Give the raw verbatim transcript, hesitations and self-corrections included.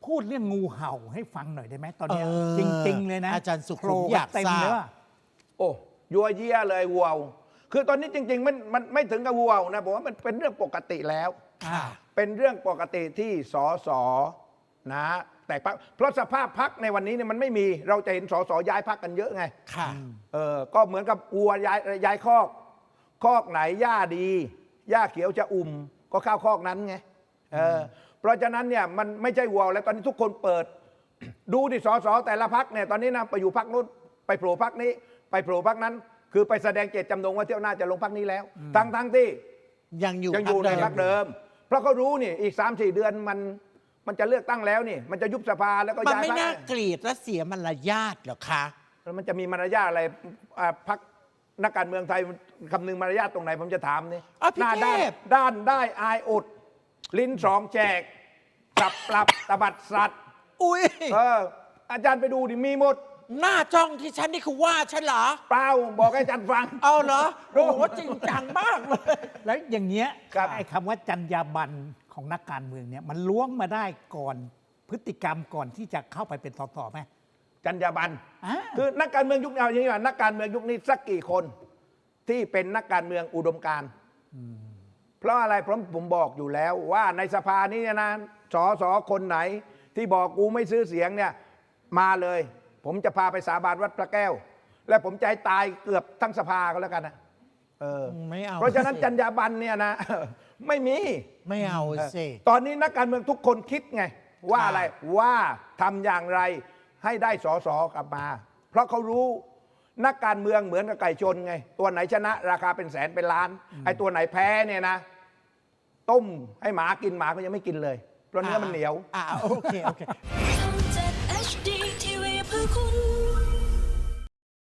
พูดเรื่องงูเห่าให้ฟังหน่อยได้ไหมตอนนี้เออจริง ๆ เลยนะอาจารย์สุขุมโผล่อยากเต็มทราบเลยว่าโอ้ยัวเยียเลยวัวคือตอนนี้จริง ๆ มันมันไม่ถึงกับวัวนะผมว่ามันเป็นเรื่องปกติแล้วค่ะเป็นเรื่องปกติที่สสนะแต่พรรคเพราะสภาพพักในวันนี้เนี่ยมันไม่มีเราจะเห็นสสย้ายพักกันเยอะไงค่ะเออก็เหมือนกับวัวย้ายย้ายคอก คอกไหนหญ้าดีหญ้าเขียวจะอุ่มก็เข้าคอกนั้นไงเออเพราะฉะนั้นเนี่ยมันไม่ใช่วัวแล้วตอนนี้ทุกคนเปิด ดูดิสสแต่ละพักเนี่ยตอนนี้นะไปอยู่พักนู้นไปโผล่พักนี้ ไปโผล่พักนั้น คือไปแสดงเจตจำนงว่าเที่ยวหน้าจะลงพักนี้แล้ว ทั้งทั้งที่ยังอยู่ยังอยู่ในพรพัรกคเดิเดิมม เพราะเขารู้นี่อีกสามสี่เดือนมันมันจะเลือกตั้งแล้วนี่ มันจะยุบสภาแล้วก็มันย้ายไม่พรรน่าคเกลียดและเสียมารยาทเหรอคะแล้วมันจะมีมารยาทอะไรอ่าพักนักการเมืองไทยคำนึงมารยาทตรงไหนผมจะถามนี่อ่ะพี่หน้าด้านเทพด้านได้อายอด ลิ้นสองแจกปรับปรับตบัดสัตว์อุ้ยเอออาจารย์ไปดูดิมีหมดหน้าจ้องที่ฉันนี่คือว่าฉันเหรอเปล่าบอกให้อาจารย์ฟังเอาเหรอโอ้โหจริงจังมากเลยแล้วอย่างเงี้ยครับไอ้คำว่าจรรยาบรรณของนักการเมืองเนี่ยมันล้วงมาได้ก่อนพฤติกรรมก่อนที่จะเข้าไปเป็นสสไหมจรรยาบรรณอ่าคือนักการเมืองยุคนี้เอาอย่างนี้ว่านักการเมืองยุคนี้สักกี่คนที่เป็นนักการเมืองอุดมการณ์เพราะอะไรเพราะผมบอกอยู่แล้วว่าในสภานี้นะสอสอคนไหน ที่บอกกูไม่ซื้อเสียงเนี่ยมาเลย ผมจะพาไปสาบานวัดพระแก้ว และผมจะให้ตายเกือบทั้งสภาก็แล้วกันนะเออไม่เอาเพราะฉะนั้นจรรยาบรรณเนี่ยนะ ไม่มีไม่เอาสิตอนนี้นักการเมืองทุกคนคิดไง ว่าอะไรว่าทำอย่างไรให้ได้สอสอกลับมา เพราะเขารู้นักการเมืองเหมือนกับไก่ชนไง ตัวไหนชนะ ราคาเป็นแสนเป็นล้าน ไอ้ตัวไหนแพ้เนี่ยนะ ต้มให้หมากินหมาก็ยังไม่กินเลย เพราะเนื้อมันเหนียวอ่าโอเคโอเคช่อง เจ็ด เอช ดี